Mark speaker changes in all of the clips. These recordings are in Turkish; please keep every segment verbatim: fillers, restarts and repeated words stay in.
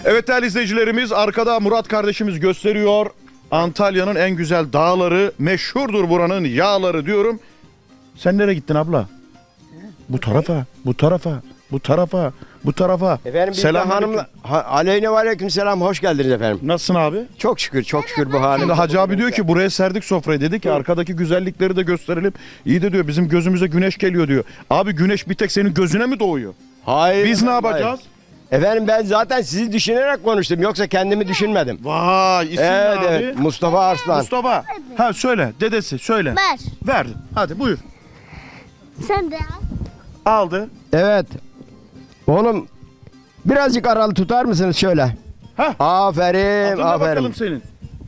Speaker 1: Evet değerli izleyicilerimiz, arkada Murat kardeşimiz gösteriyor. Antalya'nın en güzel dağları, meşhurdur buranın yağları diyorum. Sen nereye gittin abla? Bu tarafa, bu tarafa, bu tarafa, bu tarafa.
Speaker 2: Efendim biz
Speaker 1: Selam
Speaker 2: de hanımla... Ha, aleyhine ve aleyküm selam, hoş geldiniz efendim.
Speaker 1: Nasılsın abi?
Speaker 2: Çok şükür, çok şükür bu halimize.
Speaker 1: Şimdi Hacı abi diyor ki buraya serdik sofrayı, dedi ki arkadaki güzellikleri de gösterelim. İyi de diyor bizim gözümüze güneş geliyor diyor. Abi güneş bir tek senin gözüne mi doğuyor?
Speaker 2: Hayır.
Speaker 1: Biz ne
Speaker 2: efendim,
Speaker 1: yapacağız?
Speaker 2: hayır. Efendim ben zaten sizi düşünerek konuştum, yoksa kendimi düşünmedim.
Speaker 1: Vay isim
Speaker 2: Evet,
Speaker 1: ne abi?
Speaker 2: evet, Mustafa Arslan.
Speaker 1: Mustafa. Ha söyle dedesi söyle.
Speaker 3: Ver.
Speaker 1: Verdim. Hadi buyur.
Speaker 3: Sen de al.
Speaker 1: Aldı.
Speaker 2: Evet. Oğlum birazcık aralı tutar mısınız şöyle?
Speaker 1: Hah.
Speaker 2: Aferin,
Speaker 1: Adına bakalım
Speaker 2: aferin.
Speaker 1: senin.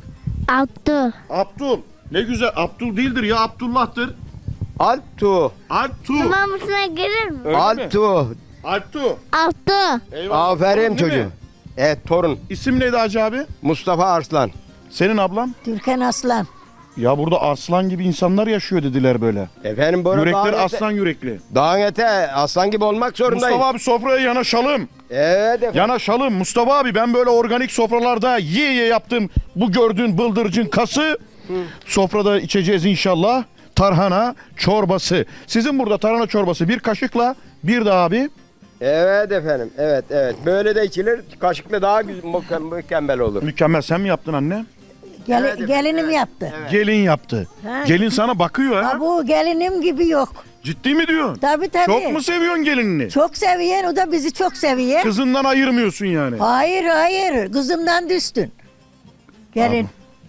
Speaker 3: Abdü.
Speaker 1: Abdul. Ne güzel. Abdul değildir ya, Abdullah'tır.
Speaker 2: Altu,
Speaker 1: Altu.
Speaker 3: Namısına gelir mi?
Speaker 1: Öyle mi?
Speaker 2: Altu.
Speaker 1: Altu.
Speaker 3: Abdü.
Speaker 1: Eyvallah.
Speaker 2: Aferin
Speaker 1: Torun değil
Speaker 2: çocuğum.
Speaker 1: mi?
Speaker 2: Evet, torun.
Speaker 1: İsim neydi Hacı abi?
Speaker 2: Mustafa Arslan.
Speaker 1: Senin ablam?
Speaker 4: Türkan Aslan.
Speaker 1: Ya burada aslan gibi insanlar yaşıyor dediler böyle.
Speaker 2: Efendim burada
Speaker 1: Yürekleri
Speaker 2: dağın ete,
Speaker 1: aslan yürekli.
Speaker 2: dağın ete aslan gibi olmak zorundayım.
Speaker 1: Mustafa abi sofraya yanaşalım.
Speaker 2: Evet efendim.
Speaker 1: Yanaşalım. Mustafa abi ben böyle organik sofralarda yiye yiye yaptım. Bu gördüğün bıldırcın kası. Sofrada içeceğiz inşallah. Tarhana çorbası. Sizin burada tarhana çorbası bir kaşıkla, bir de abi.
Speaker 2: Evet efendim. Evet evet. Böyle de içilir. Kaşıkla daha güzel, mükem- mükemmel olur.
Speaker 1: Mükemmel, sen mi yaptın anne?
Speaker 4: Gel-
Speaker 2: Evet, evet,
Speaker 4: gelinim
Speaker 2: evet.
Speaker 4: yaptı.
Speaker 2: Evet.
Speaker 1: Gelin yaptı.
Speaker 4: Ha.
Speaker 1: Gelin sana bakıyor ha.
Speaker 4: Ha, bu gelinim gibi yok.
Speaker 1: Ciddi mi diyorsun?
Speaker 4: Tabii tabii.
Speaker 1: Çok mu seviyorsun gelinini?
Speaker 4: Çok seviyen, o da bizi çok seviyor.
Speaker 1: Kızından ayırmıyorsun yani.
Speaker 4: Hayır hayır, kızımdan düştün. Gelin.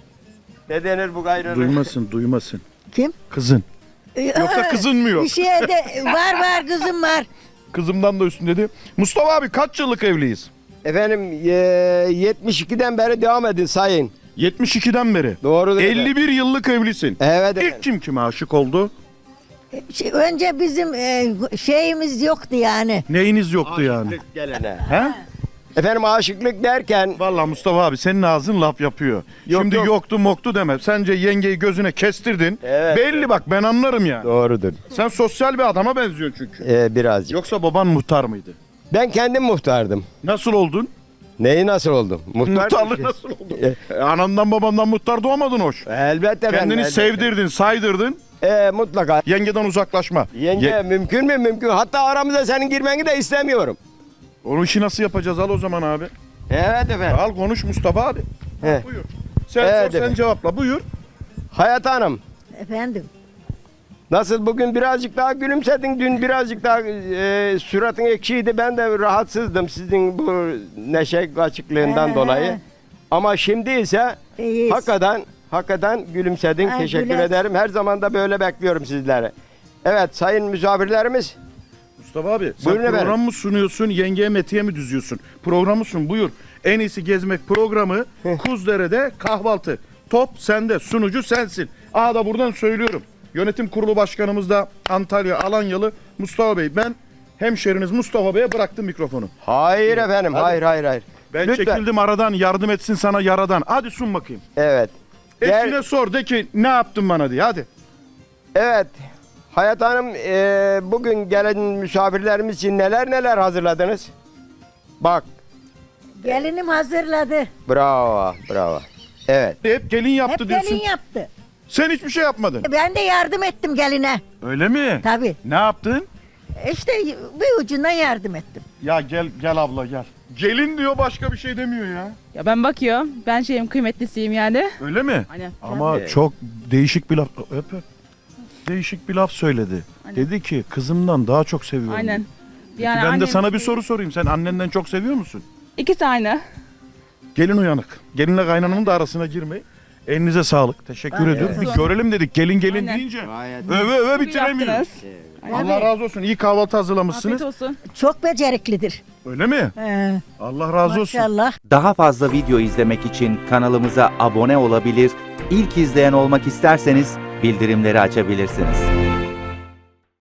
Speaker 2: Ne denir bu gayrı?
Speaker 1: Duymasın, duymasın.
Speaker 4: Kim?
Speaker 1: Kızın. Yoksa kızın mı yok?
Speaker 4: Bir şey de var var kızım var.
Speaker 1: Kızımdan da üstün dedi. Mustafa abi kaç yıllık evliyiz?
Speaker 2: Efendim e, yetmiş ikiden beri devam edin sayın.
Speaker 1: yetmiş ikiden beri.
Speaker 2: Doğrudur efendim.
Speaker 1: elli bir yıllık evlisin.
Speaker 2: Evet
Speaker 1: İlk
Speaker 2: efendim.
Speaker 1: kim kime aşık oldu?
Speaker 4: Şey, önce bizim e, şeyimiz yoktu yani.
Speaker 1: Neyiniz yoktu yani?
Speaker 2: Aşıklık gelene.
Speaker 1: He?
Speaker 2: Efendim aşıklık derken
Speaker 1: Vallahi Mustafa abi senin ağzın laf yapıyor.
Speaker 2: Yok,
Speaker 1: Şimdi
Speaker 2: yok.
Speaker 1: yoktu moktu deme. Sence yengeyi gözüne kestirdin.
Speaker 2: Evet,
Speaker 1: Belli
Speaker 2: evet.
Speaker 1: bak, ben anlarım yani.
Speaker 2: doğrudur.
Speaker 1: Sen sosyal bir adama benziyorsun çünkü.
Speaker 2: E, birazcık.
Speaker 1: Yoksa baban muhtar mıydı?
Speaker 2: Ben kendim muhtardım.
Speaker 1: Nasıl oldun?
Speaker 2: Neyi nasıl oldum? Muhtar
Speaker 1: Muhtarlık nasıl oldun? E, anandan babandan muhtar doğmadın hoş.
Speaker 2: Elbette efendim.
Speaker 1: Kendini
Speaker 2: elbette.
Speaker 1: sevdirdin, saydırdın.
Speaker 2: E, mutlaka.
Speaker 1: Yengeden uzaklaşma.
Speaker 2: Yenge
Speaker 1: Ye-
Speaker 2: mümkün mü? Mümkün. Hatta aramıza senin girmeni de istemiyorum.
Speaker 1: Onun işi nasıl yapacağız, al o zaman abi.
Speaker 2: Evet efendim.
Speaker 1: Al konuş Mustafa abi.
Speaker 2: He.
Speaker 1: Buyur. Sen
Speaker 2: Evet,
Speaker 1: sor, sen
Speaker 2: evet.
Speaker 1: cevapla, buyur.
Speaker 2: Hayat Hanım.
Speaker 4: Efendim.
Speaker 2: Nasıl bugün birazcık daha gülümsedin, dün birazcık daha e, suratın ekşiydi. Ben de rahatsızdım sizin bu neşe açıklığından
Speaker 4: Ee,
Speaker 2: dolayı. Ama şimdi ise
Speaker 4: İyiyiz.
Speaker 2: hakikaten hakikaten gülümsedin.
Speaker 4: Ha,
Speaker 2: Teşekkür
Speaker 4: güler.
Speaker 2: ederim. Her zaman da böyle bekliyorum sizleri. Evet sayın misafirlerimiz.
Speaker 1: Mustafa abi sen
Speaker 2: Buyurun
Speaker 1: program
Speaker 2: efendim.
Speaker 1: mı sunuyorsun, yengeye metiye mi düzüyorsun? Programı sun, buyur. En iyisi gezmek programı Kuzdere'de kahvaltı. Top sende, sunucu sensin. Aa da buradan söylüyorum. Yönetim kurulu başkanımız da Antalya Alanyalı Mustafa Bey. Ben hemşeriniz Mustafa Bey'e bıraktım mikrofonu.
Speaker 2: Hayır efendim.
Speaker 1: Hadi.
Speaker 2: Hayır hayır hayır.
Speaker 1: Ben
Speaker 2: Lütfen.
Speaker 1: çekildim aradan, yardım etsin sana yaradan. Hadi sun bakayım.
Speaker 2: Evet. Gel-
Speaker 1: Eşine sor, de ki ne yaptın bana diye, hadi.
Speaker 2: Evet. Hayat Hanım e, bugün gelen misafirlerimiz için neler neler hazırladınız? Bak.
Speaker 4: Gelinim hazırladı.
Speaker 2: Bravo. Bravo. Evet.
Speaker 1: Hep gelin yaptı
Speaker 4: Hep
Speaker 1: diyorsun.
Speaker 4: gelin yaptı.
Speaker 1: Sen hiçbir şey yapmadın.
Speaker 4: Ben de yardım ettim geline.
Speaker 1: Öyle mi?
Speaker 4: Tabii.
Speaker 1: Ne yaptın?
Speaker 4: İşte bir ucundan yardım ettim.
Speaker 1: Ya gel gel abla gel. Gelin diyor, başka bir şey demiyor ya.
Speaker 5: Ya ben bakıyorum. Ben şeyim kıymetlisiyim yani.
Speaker 1: Öyle mi?
Speaker 5: Aynen.
Speaker 1: Ama
Speaker 2: Evet.
Speaker 1: çok değişik bir laf. Öp öp. Değişik bir laf söyledi.
Speaker 5: Aynen.
Speaker 1: Dedi ki kızımdan daha çok seviyorum.
Speaker 5: Aynen.
Speaker 1: dedi. Peki
Speaker 5: Yani
Speaker 1: ben de
Speaker 5: annem
Speaker 1: sana bir
Speaker 5: şey-
Speaker 1: soru sorayım. Sen annenden çok seviyor musun?
Speaker 5: İkisi aynı.
Speaker 1: Gelin uyanık. Gelinle kaynananın da arasına girmeyin. Elinize sağlık. Teşekkür
Speaker 4: Aynen.
Speaker 1: ediyorum. Bir görelim dedik. Gelin gelin
Speaker 5: Aynen.
Speaker 1: deyince.
Speaker 2: Gayet.
Speaker 1: Öve öve
Speaker 5: Çok iyi
Speaker 1: bitiremiyoruz.
Speaker 5: yaptınız.
Speaker 1: Allah razı olsun. İyi kahvaltı hazırlamışsınız.
Speaker 5: Afiyet olsun.
Speaker 4: Çok beceriklidir.
Speaker 1: Öyle mi?
Speaker 4: Ee,
Speaker 1: Allah razı olsun.
Speaker 4: maşallah.
Speaker 6: Daha fazla video izlemek için kanalımıza abone olabilir, ilk izleyen olmak isterseniz bildirimleri açabilirsiniz.